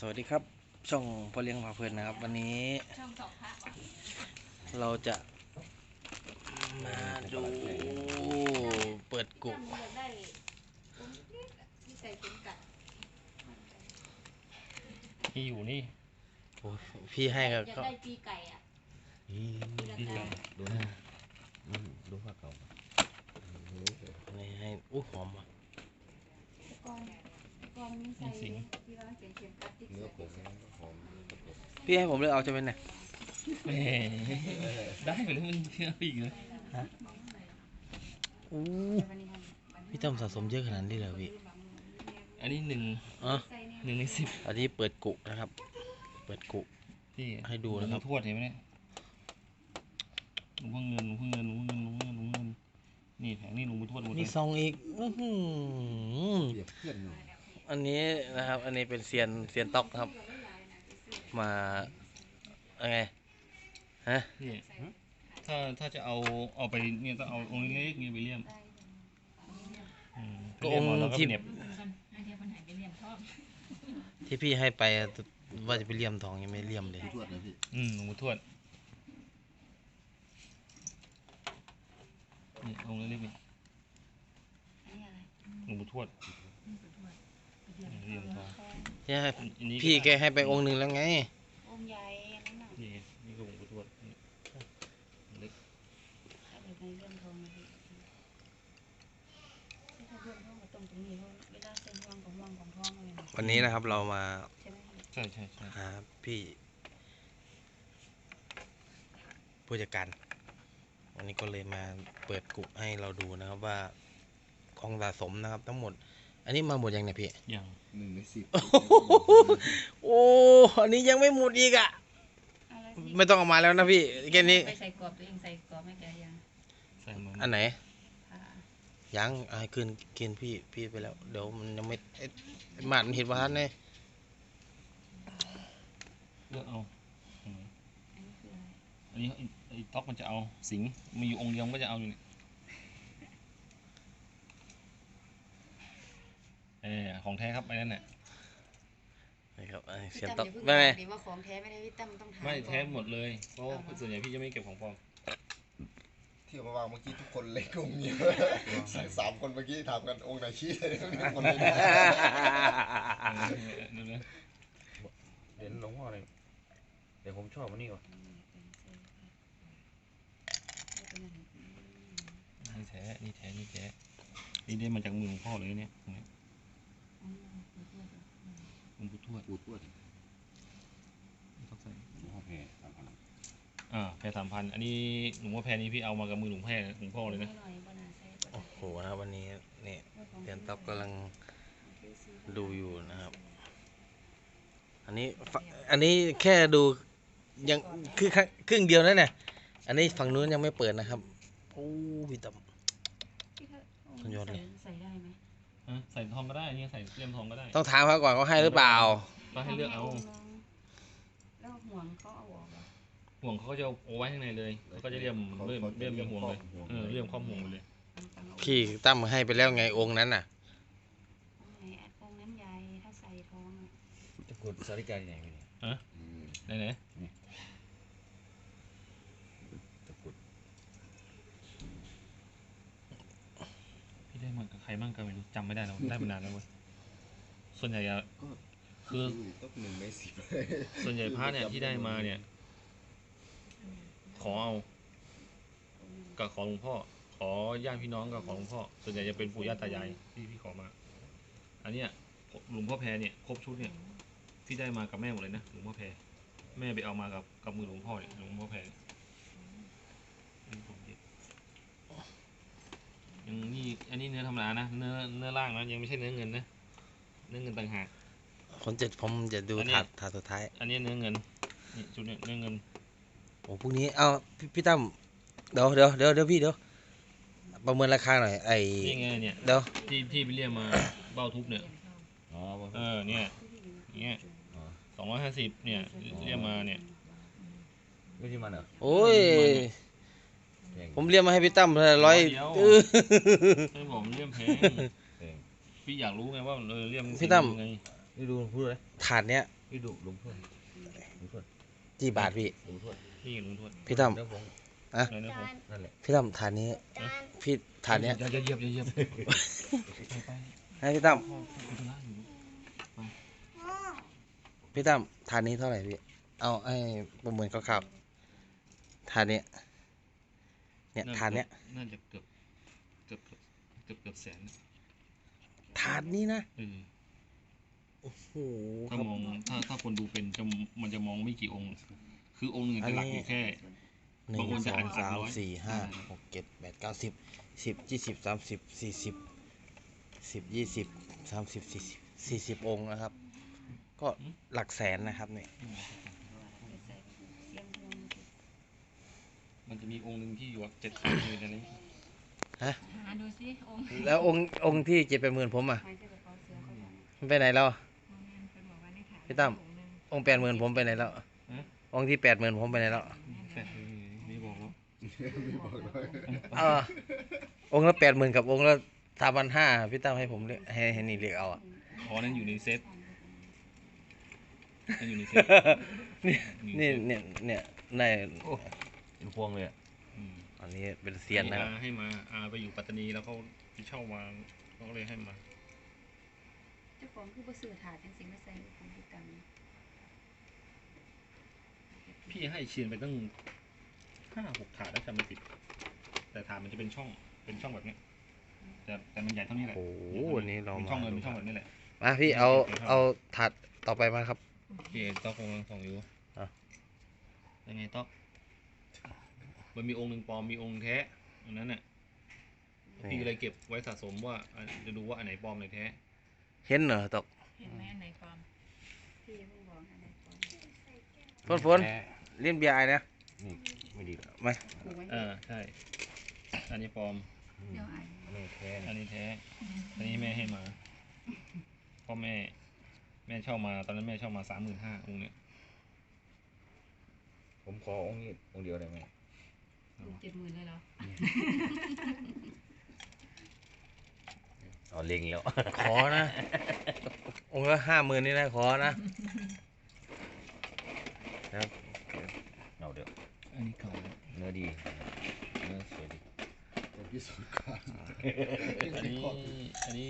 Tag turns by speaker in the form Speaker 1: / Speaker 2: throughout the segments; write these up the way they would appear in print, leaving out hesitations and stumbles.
Speaker 1: วัสดีครับช่องพ่อเลี้ยงพาเพลินนะครับวันนี้
Speaker 2: ช่องสองพระ
Speaker 1: เราจะมาดูเปิดกุ
Speaker 2: อยากได้องค์เล็กๆที่ใส่เข็มกัด
Speaker 3: ที่อยู่นี่
Speaker 1: โอ้พี่ให้
Speaker 2: อยาก
Speaker 1: ก็
Speaker 2: ได้ปีไก่อ่ะ
Speaker 3: ที่ไก่
Speaker 4: ดูนะดูผ้าเก่า
Speaker 1: นี่ให้หอมว่ะ
Speaker 2: ก่อนมีใส่ที่ว่าเขียนเข็มกัดที่
Speaker 4: เนื้อผงหอม
Speaker 1: พี่ให้ผมเลยเอาจะเป็นไง
Speaker 3: แหมได้ไปแล้วมันเชื่ออีกเลย
Speaker 1: อู้พี่ต้อมสะสมเยอะขนาดนี้เลยพี่
Speaker 3: อันนี้1
Speaker 1: อ๋อ
Speaker 3: ใน 10
Speaker 1: อันนี้เปิดกุนะครับเปิดกุ
Speaker 3: ที่
Speaker 1: ให้ดูนะครับ
Speaker 3: ทวดเห็นไหมเนี่ยหลวงพ่อเงินนี่แผงนี่หลวงพ่อทวดหมดเล
Speaker 1: มี
Speaker 3: ย
Speaker 1: ซองอีก
Speaker 4: เปรียบเพื่อนหน่อย
Speaker 1: อันนี้นะครับอันนี้เป็นเซียนต๊อกครับมาอะไรฮะ
Speaker 3: นี่ถ้าจะเอาไปเนี่ยต้องเอาองค์เล็กๆนี่ไปเลี่ยม
Speaker 1: ก็องค์
Speaker 3: แล้วก็
Speaker 1: ที่
Speaker 3: เหน็บ
Speaker 1: ที่พี่ให้ไปว่าจะไปเลี่ยมทองยังไม่เลี่ยมเลย
Speaker 4: ทวดเลยพี่
Speaker 3: หลวงพ่อทวดนี่องค์เล็กๆนี่หลวงพ่อทวดเลี่ยมทอง
Speaker 1: ที่ให้
Speaker 3: อันนี้
Speaker 1: พี่แกให้ไปองค์หนึ่งแล้วไง
Speaker 2: องค์ใหญ่นั่นน่ะ
Speaker 3: นี่ก็หลวงพ่อทวดนี่เล็ก
Speaker 2: ถ้าเป็นในเรื่องทองนะพี่ถ้าเรื่องทองก็ตรงนี้เวลาเส้นห่วงของทองอะไรนะ
Speaker 1: วันนี้นะครับเรามา
Speaker 2: ใช่ไหม
Speaker 3: ใช่
Speaker 1: หาพี่ผู้จัดการวันนี้ก็เลยมาเปิดกลุ่มให้เราดูนะครับว่าของสะสมนะครับทั้งหมด อันนี้มาหมดยังเนี่ยพี่
Speaker 3: อย่าง
Speaker 4: 1 ใน 10
Speaker 1: โอ้อันนี้ยังไม่หมดอีกอ่ะ
Speaker 2: อะไร
Speaker 1: ไม่ต้องเอามาแล้วนะพี่แค่นี้
Speaker 2: ไปใส่กรอบตัวเองใส่กรอบไม่แกยัง
Speaker 3: ใส่มา
Speaker 1: อันไหน
Speaker 2: ผ่า
Speaker 1: ยังเอาให้กินพี่ไปแล้วเดี๋ยวมันยังไม่หมาดมันเห็นว่าท่านเนี่ย
Speaker 3: เลือกเอา
Speaker 2: อันนี้คืออะไร
Speaker 3: อันนี้ไอ้ต๊อกมันจะเอาสิงห์มีอยู่องค์เดียวมันก็จะเอาอยู่นี่ของแท้ครับไอ้นั่นแหละ
Speaker 1: นะครับเสี
Speaker 2: พี่
Speaker 1: ยน
Speaker 2: ตั้ม
Speaker 1: ต๊อก
Speaker 2: อย่าเพิ่ง
Speaker 1: ไม่
Speaker 2: ถามดิว่าของแท้ไม่ได้พี่ตั้มต้องถาม
Speaker 3: ไม่
Speaker 2: ก่อน
Speaker 3: แท้หมดเลยเพราะว่าส่วนใหญ่พี่จะไม่เก็บของปลอม
Speaker 4: ที่เอามาวางเมื่อกี้ทุกคนเล็กองค์เดียว3 คนเมื่อกี้ถามกันองค์ไหนชี้เลยคนเลย
Speaker 5: เดี๋ยวหลวงพ่อเลยเดี๋ยวผมชอบอันนี้ก่อน
Speaker 3: นี่แท้นี่ได้มาจากมือหลวงพ่อเลยเนี่ยตรงนี้หลวงปู่ทวด
Speaker 4: ปูทวด
Speaker 3: ต้องใส่
Speaker 4: หลวงพ่อแพร3,000
Speaker 3: แพร3,000อันนี้หลวงพ่อแพรนี้พี่เอามากับมือหลวงพ่อเลยนะ
Speaker 1: โอ้โหนะครับวันนี้นี่เสียนต๊อกกำลังดูอยู่นะครับ อันนี้แค่ดูยังคือครึ่งเดียวนั่นเนี่ยอันนี้ฝั่งนู้นยังไม่เปิดนะครับโอ้พี่ต๊อก สุดยอดเลย
Speaker 2: ใส่ได้ไหม
Speaker 3: ใส่ทองก็ได้นี่ใส่เลี่ยมทองก็ได้
Speaker 1: ต้องถามเขาก่อนเขาให้หรือเปล่า
Speaker 3: ก็ให้เลือกเอา
Speaker 2: แล้วห่วงเขาเอาออกเหรอ
Speaker 3: ห่วงเขาก็จะเอาไว้ข้างในเลยเขาก็จะเลี่ยมเป็นห่วงเลยเลี่ยมครอบห่วงไปเลย
Speaker 1: พี่ตั้มให้ไปแล้วไงองค์นั้นน่ะ
Speaker 2: องค์นั้นใหญ่ถ้าใส่ทองอ่ะ
Speaker 5: ตะกรุดสาริกาที่ไหนพี่เนี่ย
Speaker 3: ไหน
Speaker 5: ตะกรุด
Speaker 3: พี่ได้มากับใครบ้างก็ไม่รู้จำไม่ได้แล้วได้มานานแล้วเว้ยส่วนใหญ่อะคือ
Speaker 4: ต้อง1 ใน 10
Speaker 3: ส่วนใหญ่พระเนี่ยที่ได้มาเนี่ยขอเอากับขอหลวงพ่อขอญาติพี่น้องกับขอหลวงพ่อส่วนใหญ่จะเป็นปู่ย่าตายายที่พี่ขอมา อันเนี้ยหลวงพ่อแพรเนี่ยครบชุดเนี่ยพี่ได้มากับแม่หมดเลยนะหลวงพ่อแพรแม่ไปเอามากับมือหลวงพ่อเนี่ยหลวงพ่อแพรยังนี่อันนี้เนื้อธรรมดานะเนื้อล่างนะยังไม่ใช่เนื้อเงินนะเนื้อเงินต่างหาก
Speaker 1: ผมจะดูถาดสุดท้าย
Speaker 3: อันนี้เนื้อเงินนี่ชุดเนี่ยเนื้อเงิน
Speaker 1: โอ้พรุ่งนี้เอาพี่ตั้มเดี๋ยวพี่ประเมินราคาหน่อย
Speaker 3: นี่ไงเนี่ย
Speaker 1: เดี๋ยว
Speaker 3: ที่ไปเรียกมาเบ้าทุบเนี่ย
Speaker 5: อ๋อ
Speaker 3: เนี่ย250เนี่ยเรียกมาเนี่ย
Speaker 5: ไม่ใช่มันเหรอ
Speaker 1: โอ้ย
Speaker 5: แพง
Speaker 1: ผมเรียกมาให้พี่ตั้ม100
Speaker 3: ไม่บอกมันเรียกแพง
Speaker 5: แพง
Speaker 3: พี่อยากรู้ไงว่าเรียก
Speaker 1: พี่ตั้ม
Speaker 3: ไง
Speaker 5: นี่ดูพูดเลย
Speaker 1: ถาดเนี้ย
Speaker 5: พี่ดูลุงทวดลุงทวด
Speaker 1: กี่บาทพี่
Speaker 5: ลุงทวด
Speaker 3: นี่ลุงทวด
Speaker 1: พี่ตั้ม
Speaker 5: เนื้อผง
Speaker 3: ไหนนะผม
Speaker 5: นั่นแหละ
Speaker 1: พี่ตั้มฐานนี้ พี่ฐานเนี้ย
Speaker 3: อย่าเหยียบไป
Speaker 1: ให้พี่ตั้ม
Speaker 3: พ่อคุยธุระอยู่
Speaker 1: พี่ตั้มฐานนี้เท่าไหร่พี่ เอาให้ประเมินคร่าวๆฐานเนี้ยเนี่ยฐานเนี้ย
Speaker 3: น่าจะเกือบแสน
Speaker 1: ฐานนี้นะ
Speaker 3: เออ
Speaker 1: โอ้โหค
Speaker 3: ถ้า
Speaker 1: รับ
Speaker 3: มองถ้าคนดูเป็นมันจะมองไม่กี่องค์ คือองค์หนึ่งจะหลักอยู่แค่
Speaker 1: หนึ่
Speaker 3: บาง
Speaker 1: ง
Speaker 3: คน
Speaker 1: ส
Speaker 3: จะ
Speaker 1: อ
Speaker 3: อ่าง น
Speaker 1: สาม
Speaker 3: 300
Speaker 1: สี่ห้าหกเจ็ดแปดเก้าสิบ10 20 30 40 10 20 30 40องค์นะครับ ก็หลักแสนนะครับเนี่ย
Speaker 3: มันจะมีองค์หนึ่งที่อยู่7,000อยู่ในนี้
Speaker 2: หาดูสิองค์
Speaker 1: แล้วองค์ที่7-80,000ผมอ่ะ
Speaker 2: หมายถึงกระเป๋าเสือเขาบอก
Speaker 1: มันไปไหนแล้ว
Speaker 2: เป็นบอกว่าในขาย
Speaker 1: พี่ตั้ม องค์80,000ผมไปไหนแล้ว องค์ที่80,000ผมไปไหนแล้ว
Speaker 3: ไม่บอกว่า
Speaker 1: องค์ละ80,000กับองค์ละ3,500พี่ตั้มให้ผมเลือกให้นี่เลือกเอาอ่ะ
Speaker 3: อ๋อนั่นอยู่ในเซตนั่นอยู่ในเซต
Speaker 1: เนี่ยใน
Speaker 5: เป็นพวงเลยอ่ะ
Speaker 1: อันนี้เป็นเซียนนะครับ
Speaker 3: ให้มาไปอยู่ปัตตานีแล้วเขาไปเช่ามาเขาก็เลยให้มา
Speaker 2: เจ้าของคือบ่ซื้อถาดจังสิมาใส่ของพี่กัน
Speaker 3: พี่ให้เชียนไปตั้ง5-6 ถาดแล้วจำไม่ผิดแต่ถาดมันจะเป็นช่องแบบเนี้ยแต่มันใหญ่เท่านี้แหละ
Speaker 1: โอ้โหวันนี้เรา
Speaker 3: เป็นช่องเงินเป็นช่องแบบนี้แหละ
Speaker 1: มาพี่เอาถาดต่อไปมาครับ
Speaker 3: พี่ต๊อกกำลังส่องอยู่
Speaker 1: อ่ะ
Speaker 3: ยังไงต๊อกมันมีองค์หนึ่งปลอมมีองค์แท้อันนั้นน่ะพี่ก็เลยเก็บไว้สะสมว่าจะดูว่าอันไหนปลอมอันไหนแท้
Speaker 1: เห็นเหรอตก
Speaker 2: เห็นไหมอันไหนปลอมพี่เพิ่งบอกอันไหนปลอม
Speaker 1: ฝนเล่นเบียร์ไอ้นะ
Speaker 5: นี่ไม่ดีหรอก
Speaker 1: ไหม
Speaker 2: ถูกไว้
Speaker 3: ใช่อันนี้ปลอม
Speaker 2: เดี๋ยวอ่าน
Speaker 5: อันนี้แท้
Speaker 3: อันนี้แท้ อันนี้แม่ให้มาพ่อแม่เช่ามาตอนนั้นแม่เช่ามา35,000องค์เนี้ย
Speaker 5: ผมขอองค์นี้องค์เดียวได้ไหม
Speaker 2: 70,000เลยเหรอ
Speaker 5: อ๋อเล็งแล้ว
Speaker 1: ขอนะ องค์ละ50,000นี่นะขอนะ
Speaker 5: เอาเดี๋ยว
Speaker 3: อันนี้เก่าแล้ว
Speaker 5: เนื้อดีเนื้อสวยดี
Speaker 4: จะพิสูจน์ก่อน
Speaker 3: อันนี้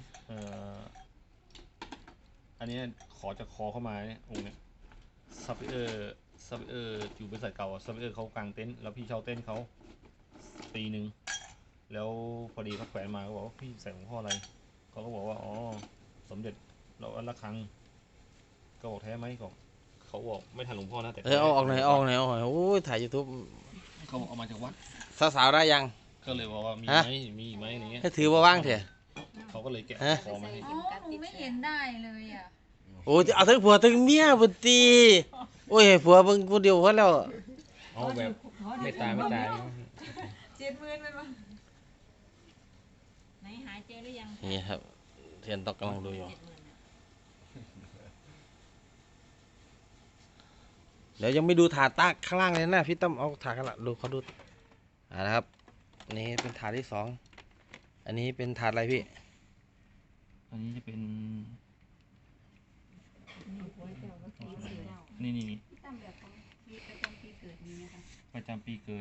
Speaker 3: อันนี้ขอจากคอเข้ามาเนี่ยองค์เนี้ยซับเออร์อยู่บริษัทเก่าซับเออร์เขากางเต็นท์แล้วพี่เช่าเต็นท์เขาปีหนึ่งแล้วพอดีเขาแขวนมาก็บอกว่าพี่ใส่ของพ่ออะไรเขาก็บอกว่าอ๋อสมเด็จเราอันละครั้งก็บอกแท้ไหมเขาบอกไม่ทันหลวงพ่อนะแต่
Speaker 1: เอาออกหน่อยโอ้ยถ่าย YouTube
Speaker 3: เขาบอกเอามาจากวัด
Speaker 1: สาวๆได้ยัง
Speaker 3: ก็เลยบอกว่ามี
Speaker 1: ฮะ
Speaker 3: ไหมมีไหมอะไรเงี้ย
Speaker 1: ให้ถือมาว่างเถอะ
Speaker 3: เขาก็เลยแกะ
Speaker 1: ฮะ
Speaker 3: คอมาให้
Speaker 2: อ๋อหนูไม่เห็นได้เลยอ่ะ
Speaker 1: โอ้ยเอาทั้งผัวทั้งเมียบุตรีโอ้ยให้ผัวเบิ่งผู้เดียวพอแล้ว
Speaker 5: เอาแบบไม่ตาย
Speaker 2: 70,000เป็นวะไหนหายเจอหรือยัง
Speaker 1: นี่ครับเทียนตอกกำลังดูอยู่
Speaker 2: 70,000อะ
Speaker 1: เดี๋ยวยังไม่ดูถาดตากข้างล่างเลยนะพี่ตั้มเอาถาดข้างล่างดูเขาดูนะครับอันนี้เป็นถาดที่2อันนี้เป็นถาดอะไรพี่
Speaker 3: อันนี้จะเป็น
Speaker 2: หัวเจ้าก็คือสีดาว
Speaker 3: นี่
Speaker 2: พี่ตั้มแบบของพี่ประจำปีเกิดมีไหมคะ
Speaker 3: ประจำปีเกิด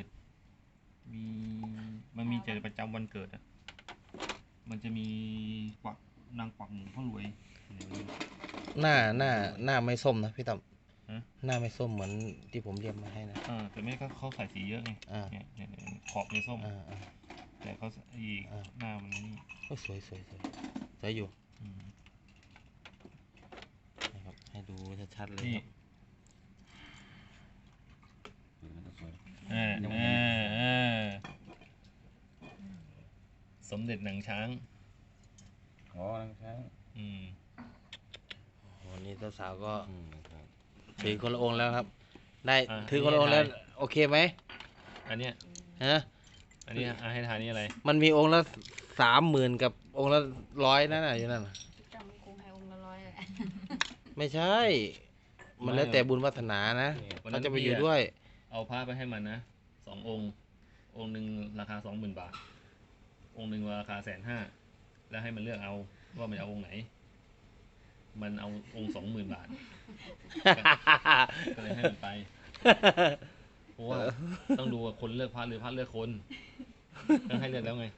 Speaker 3: มันมีแต่ประจำวันเกิดอ่ะมันจะมีกวักนางกวักหมูพ่อรวย
Speaker 1: หน้าไม่ส้มนะพี่ตั้ม
Speaker 3: ฮะ
Speaker 1: หน้าไม่ส้มเหมือนที่ผมเรียมมาให้นะ
Speaker 3: แต่ไม่เขาใส่สีเยอะไง
Speaker 1: อ่า
Speaker 3: เนี่ยขอบในส้ม
Speaker 1: อ่า
Speaker 3: แต่เขาอีก
Speaker 1: อ่า
Speaker 3: หน้ามันนี่
Speaker 1: โอ้ยสวยสวยอยู่
Speaker 3: อืม
Speaker 1: นะครับให้ดูชัดๆเลย
Speaker 3: นี่
Speaker 1: ครับ
Speaker 5: สวย
Speaker 3: สมเด็จหนังช้าง
Speaker 5: อ๋อนังช้าง
Speaker 3: อืม
Speaker 1: วันนี้สาวๆก็
Speaker 5: ครับ
Speaker 1: ถือคนละองค์แล้วครับ ได้
Speaker 3: อ่ะ
Speaker 1: ถือคนละองค์แล้ว
Speaker 3: ให้ทาย
Speaker 1: โอเคไหม
Speaker 3: อันเนี้ย
Speaker 1: ฮะ
Speaker 3: อันนี้ให้ทานนี่อะไร
Speaker 1: มันมีองค์ละ30,000กับองค์ละ100นั่นน่ะอยู่นั่นน่ะ
Speaker 2: พี่ตั้มคงให้องค์ละ100เลย
Speaker 1: ไม่ใช่ มันแล้วแต่บุญวาสนานะ
Speaker 3: วันนั้
Speaker 1: เขา
Speaker 3: น
Speaker 1: จะไป
Speaker 3: พี่
Speaker 1: อยู่
Speaker 3: อะ
Speaker 1: ด้วย
Speaker 3: เอาผ้าไปให้มันนะ2 องค์ องค์หนึ่งราคา 20,000 บาท องค์หนึ่งราคา150,000แล้วให้มันเลือกเอาว่ามันจะเอาองค์ไหนมันเอาองค์20,000 บาท ก็เลยให้มันไป เพราะว่าต้องดูว่าคนเลือกพระหรือพระเลือกคนก็ให้เลือกแล้วไง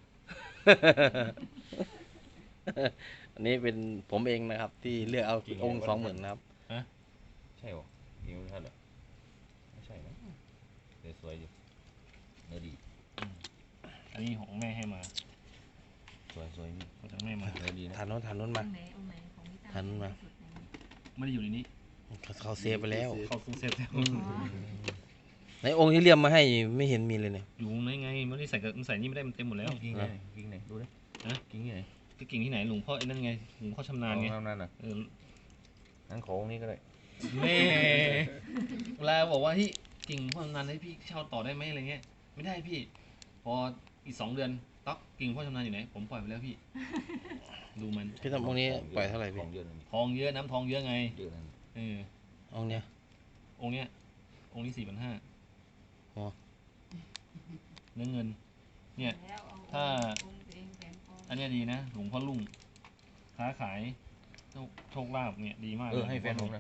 Speaker 1: อันนี้เป็นผมเองนะครับ ที่เลือกเอาองค์20,000นะครับ
Speaker 5: ใช่หรอยิงไม่ทันเหรอไม่ใช่นะเดี๋ยวสวยอยู่เนื้อดี
Speaker 3: อันนี้ของแม่ให้มา
Speaker 5: สวยพี่
Speaker 3: มาจากแม่มา
Speaker 5: เนื้อดีนะ
Speaker 1: ฐานโน้นฐานโน้น
Speaker 2: อ
Speaker 1: มา
Speaker 2: งค์ไหนองค์ไหนของพี่ตั้ม
Speaker 1: หันมา
Speaker 2: สุดไหน
Speaker 3: ไม่ได้อยู่ในนี้
Speaker 1: เขาเซฟไปแล้ว
Speaker 3: เขาซื้อเซฟแล้ว
Speaker 2: อ๋อ
Speaker 1: ในองค์ที่เลี่ยมมาให้ไม่เห็นมีเลยเนี่ย
Speaker 3: อยู่ในไงไม่ได้ใส่กับใส่นี่ไม่ได้มันเต็มหมดแล้ว
Speaker 5: กิ้งไหนกิ้งไหนดูดิ
Speaker 3: ฮะ
Speaker 5: กิ้งไหน
Speaker 3: ก็กิ่งที่ไหนหลวงพ่อไอ้นั่นไงหลวงพ่อชำนาญไง
Speaker 5: เอานั่นน่ะ
Speaker 3: เออ
Speaker 5: งั้นของนี้ก็ได้
Speaker 3: แม่เวลาบอกว่าที่กิ่งหลวงพ่อชำนาญให้พี่เช่าต่อได้ไหมอะไรเงี้ยไม่ได้พี่ พออีก2 เดือนต๊อกกิ่งหลวงพ่อชำนาญอยู่ไหนผมปล่อยไปแล้วพี่ ดูมัน
Speaker 1: พี่ทำองค์นี้ปล่อยเท่าไหร่
Speaker 5: ข
Speaker 1: พี่
Speaker 5: องเยอะนะ
Speaker 3: ทองเยอะน้ำทองเยอะไง
Speaker 5: เยอะนะ
Speaker 3: เออ
Speaker 1: องค์เนี้ย
Speaker 3: องค์เนี้ยองค์นี้4,500
Speaker 1: อ๋อ
Speaker 3: เนื้อเงิน เนี่ย
Speaker 2: แล้วเอ
Speaker 3: ถ้า
Speaker 2: องค์ตัวเองแขวนคอ
Speaker 3: อันเนี้ยดีนะหลวงพ่อลุ่งค้าขายโชคลาภเนี่ยดีมาก
Speaker 5: ให้แฟนผมนะ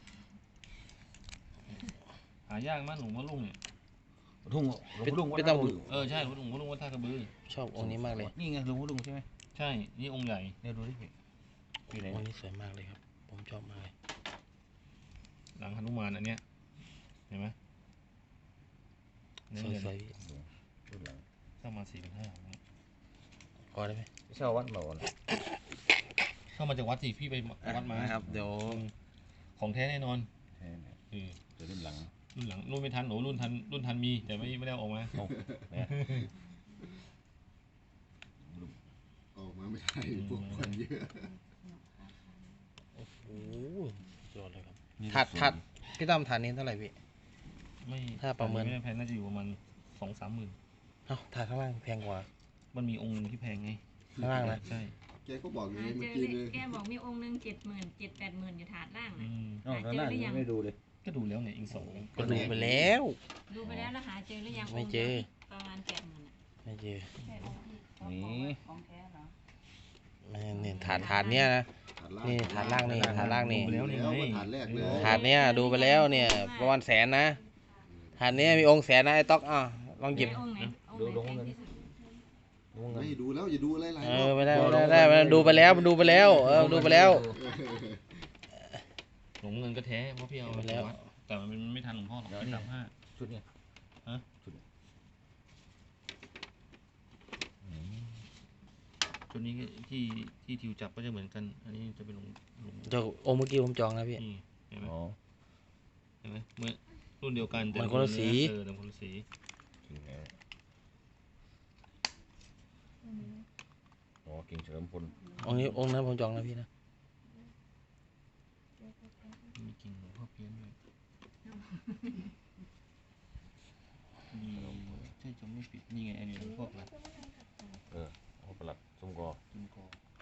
Speaker 3: หายากมากหลวงพ่อลุ่งเนี่ย
Speaker 5: ทุ่งหลวงพ่อลุงวัด
Speaker 1: พี่
Speaker 5: ท่า
Speaker 1: ตั้ม
Speaker 5: บึง
Speaker 3: เออใช่หลวงพ่อลุ่งวัดท่ากระบือ
Speaker 1: ชอบองค์นี้มากเลย
Speaker 5: นี่ไงหลวงพ่อลุงใช่ไหม
Speaker 3: ใช่นี่องค์ใหญ่
Speaker 5: เนี่ยดูดิพี่พี่ไหน
Speaker 1: องค์นี้สวยมากเลยครับ ผมชอบมากเลย
Speaker 3: หลังหนุมานอันเนี้ยเห็นไหมเนื้อ
Speaker 1: สวย
Speaker 3: เงิน
Speaker 1: สวยพี่
Speaker 5: รุ่นหลัง
Speaker 3: เข้ามา4,500
Speaker 1: พอได้ไหม
Speaker 5: เช่าวัดมาก่อน
Speaker 3: เข้ามาจากวัดสิพี่ไปวัดมา
Speaker 1: นะครับ เดี๋ยว
Speaker 3: ของแท้แน่นอน
Speaker 5: แท้เนี่ย
Speaker 3: เออ
Speaker 5: เดี๋ยวรุ่นหลัง
Speaker 3: รุ่นหลังรุ่นไม่ทันโอ้รุ่นทันมีแต่ไม่ได้เอาออกมา
Speaker 5: เนี่ย
Speaker 4: ออกมาไม่ได้พวกคนเยอะ
Speaker 1: โอ้โหสุดยอดเลยครับ ถัดพี่ตั้มฐานนี้เท่าไหร่พี่
Speaker 3: ไม่
Speaker 1: ถ้าประเมิน
Speaker 3: ไม่ได้แพงน่าจะอยู่ประมาณ2-3 หมื่น
Speaker 1: เอ้าฐานข้างล่างแพงกว่า
Speaker 3: มันมีองค์หนึงที่แพงไง
Speaker 1: ข้างล่างนะ
Speaker 3: ใช่
Speaker 4: แกก็บอกอยู่
Speaker 2: หา
Speaker 4: เมื่
Speaker 2: เจ
Speaker 4: อ
Speaker 2: อ
Speaker 4: กี้
Speaker 2: เล
Speaker 4: เลย ย
Speaker 2: แกบอกมีองค์หนึง70,000 70,000-80,000อยู่ถาดล่าง
Speaker 3: อื
Speaker 2: นะ
Speaker 3: ม
Speaker 5: อ๋อข้างล่างยังไม่ดูเลย
Speaker 3: ก็ดูแล้วเนี่ยอีก2
Speaker 1: ก็ดูไปแล้ว
Speaker 2: ดูไปแล้วหาเจอหรือยัง
Speaker 1: ไม่เจอ
Speaker 2: ประมาณ80,000อ่ะ
Speaker 1: ไม่เจอ
Speaker 2: ใช่องค์ที่เขา
Speaker 5: นี่
Speaker 2: บอกว่าของแท้เหรอ
Speaker 1: ไม่เนี่ยฐานเนี้ยนะ นี่ฐานล่างนี่ฐานล่างนี่
Speaker 3: ดูแล้วนี่ไง
Speaker 4: ฐานแรกเลย
Speaker 1: ฐานเนี้ยดูไปแล้วเนี่ย ประมาณ100,000นะฐานเนี้ยมีองค์100,000นะไอ้ต๊อกลองหยิบ
Speaker 2: องค์ไหนองค์ไหนแพงที่สุด
Speaker 5: ดูเงิน
Speaker 4: ไม่ดูแล้วอย่าดูอะไรหลาย
Speaker 1: เอ
Speaker 4: รอ
Speaker 1: อบ ไม่ได้มันดูไปแล้วมันดูไปแล้วดูไปแล้ว
Speaker 3: หลวงเงินก็แท้เพราะพี่เอา
Speaker 1: ไป
Speaker 3: ไป
Speaker 1: แล้ว
Speaker 3: วัดแต่มันไม่ทันหลวงพ่อหรอกไม่35
Speaker 5: ชุดเนี่ย
Speaker 3: ฮะ
Speaker 5: ชุดเนี่ย
Speaker 3: ชุดนี้ที่ทิวจับก็จะเหมือนกัน อันนี้จะเป็นหลวง
Speaker 1: เจ้าองค์เมื่อกี้ผมจองแล้วพี่
Speaker 3: นี่เห็นไหม
Speaker 5: อ๋อ
Speaker 3: เห็นไหมเมื่อรุ่นเดียวกันแต่
Speaker 1: มันคนละสี
Speaker 3: เออแต่คนละสี
Speaker 5: กิ่งไหนอ๋อกิ่งเฉลิมพล
Speaker 1: องค์นั้นผมจองแล้วพี่นะ
Speaker 3: มีกิ่งหลวงพ่อเพี้ยนด้วยมีใช่จะไม่ปิดนี่ไงอันนี้หลวงพ่ออะไร
Speaker 5: โอ้ประหลัดสมกอ
Speaker 3: จุนกอ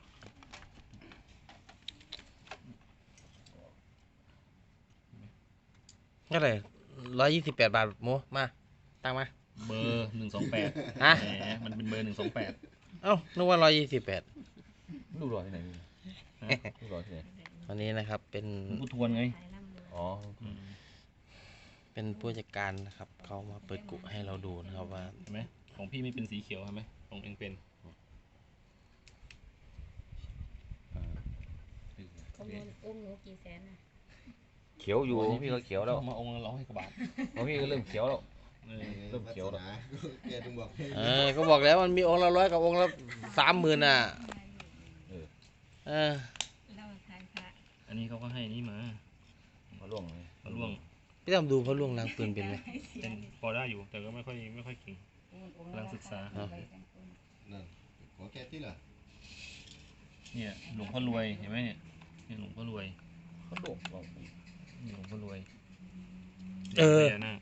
Speaker 1: เท่าไหร่128 บาทหมูมาตังมา
Speaker 3: เบอร์128
Speaker 1: ฮะ
Speaker 3: แหมมันเป็นเบอร์128
Speaker 1: เอ้านึกว่า128
Speaker 5: ลูกหล่อที่ไหนมีลูกหล่อที่ไหน
Speaker 1: วันนี้นะครับเป็น
Speaker 3: หลวงพ่อทวนไง
Speaker 2: ถ่ายลำเลย
Speaker 5: อ๋อ
Speaker 3: อืม
Speaker 1: เป็นผู้จัดการนะครับเขามาเปิดกุให้เราดูนะครับว่า
Speaker 3: เห็นไหมของพี่ไม่เป็นสีเขียวใช่ไหมของเองเป็น
Speaker 2: องค์หนูกี่แสนน่ะ
Speaker 5: เขียวอยู่ของพี่ก็เขียวแล้ว
Speaker 3: มาองค์ละ100 กว่าบาท
Speaker 5: ของพี่ก็เริ่มเขียวแล้ว
Speaker 3: เออ
Speaker 5: เริ่มเขียวแล้ว
Speaker 4: แกถึงบอกให้
Speaker 1: ก็บอกแล้วมันมีองค์ละ100กับองค์ละ30,000อ่ะเออ
Speaker 2: เราทายพระ
Speaker 3: อันนี้เขาก็ให้นี่มา
Speaker 5: มาล่วงเลย
Speaker 3: มาล่วง
Speaker 1: พี่ต้องดูพระล่วงล้างปืนเป็นไหม
Speaker 3: เป็นพอได้อยู่แต่ก็ไม่ค่อยเก่ง กำลังศึกษา
Speaker 4: นั่นขอแกที่ล่ะ
Speaker 3: เนี่ยหลวงพ่อรวยเห็นไหมเนี่ยหลวงพ่อรวย
Speaker 5: ก็ล่วง
Speaker 3: นี่หลวงพ่อรวย
Speaker 1: เออ
Speaker 3: พญานาค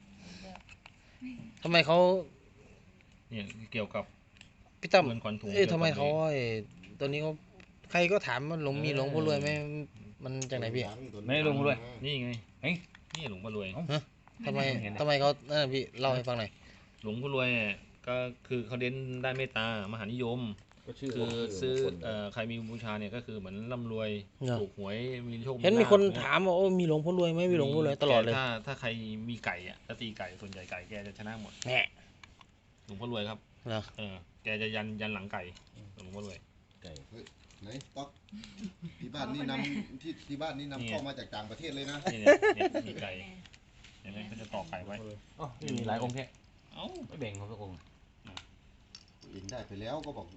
Speaker 1: ทำไมเขา
Speaker 3: เนี่ยเกี่ยวกับ
Speaker 1: พี่ตั้ม
Speaker 3: เงินขวัญถุง
Speaker 1: ทำไมเขาตัวนี้เขาใครก็ถามว่าหลวงมีหลวงพ่อรวยไหมมันจากไหนพี่
Speaker 5: ไม่ลงด้วย
Speaker 3: นี่ไง
Speaker 5: เฮ้ย
Speaker 3: นี่หลวงพ่อรวย
Speaker 1: ทำไมเขาพี่เล่าให้ฟังหน่อย
Speaker 3: หลวงพ่อรวยเนี่ยก็คือเขาเด่นด้านเมตตามหานิยม
Speaker 5: ก็ชื่อ
Speaker 3: คือซื้อ
Speaker 5: มงคลเลย
Speaker 3: ใครมีบูชาเนี่ยก็คือเหมือนร่ำรวย
Speaker 1: เนอะ
Speaker 3: ถูกหวยมีโชค
Speaker 1: เห็นมีคน
Speaker 3: ลาภ
Speaker 1: ถามว่าโอ้มีหลวงพ่อรวยไหมมีหลวงพ่อรวยตลอดเลย
Speaker 3: แต่ถ้าใครมีไก่อะถ้าตีไก่ส่วนใหญ่ไก่แกจะชนะหมด
Speaker 1: แหน่
Speaker 3: หลวงพ่อรวยครับ
Speaker 1: เหรอ
Speaker 3: แกจะยันหลังไก่หลวงพ่อรวย
Speaker 5: ไก่
Speaker 4: ไหนต๊อกที่บ้านนี่นำที่บ้านนี่นำเข้ามาจากต่างประเทศเลยนะ
Speaker 3: นี่เนี่ยมีไก่เห็นไหมเขาจะตอกไก่ไว้
Speaker 5: อ๋อมีหลายองค์แค่
Speaker 3: เอ้า
Speaker 5: ไม่แบ่งเขาสักองค์
Speaker 4: เห็นได้ไปแล้วก็บอก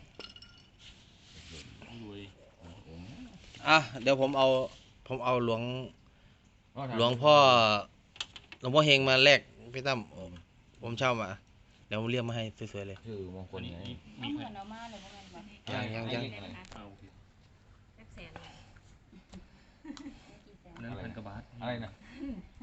Speaker 3: รวย
Speaker 5: องค์
Speaker 1: อ่ะเดี๋ยวผมเอาหลวงพ่อเฮงมาแลกพี่ตั้มผมเช่ามา เดี๋ยวผมเรียกมาให้สวยๆเลย
Speaker 5: ชื่อมงค
Speaker 3: คน
Speaker 5: ล
Speaker 3: นี้
Speaker 5: ไง
Speaker 2: เอา
Speaker 3: มี
Speaker 2: เห
Speaker 3: ใค
Speaker 2: มื
Speaker 3: ร
Speaker 2: อนเอามาเลยว่ามันแบบ
Speaker 1: ยัง
Speaker 3: เอาโอเค
Speaker 2: แสนเลย
Speaker 3: นั้นพันกว่าบาท
Speaker 5: อะไรนะ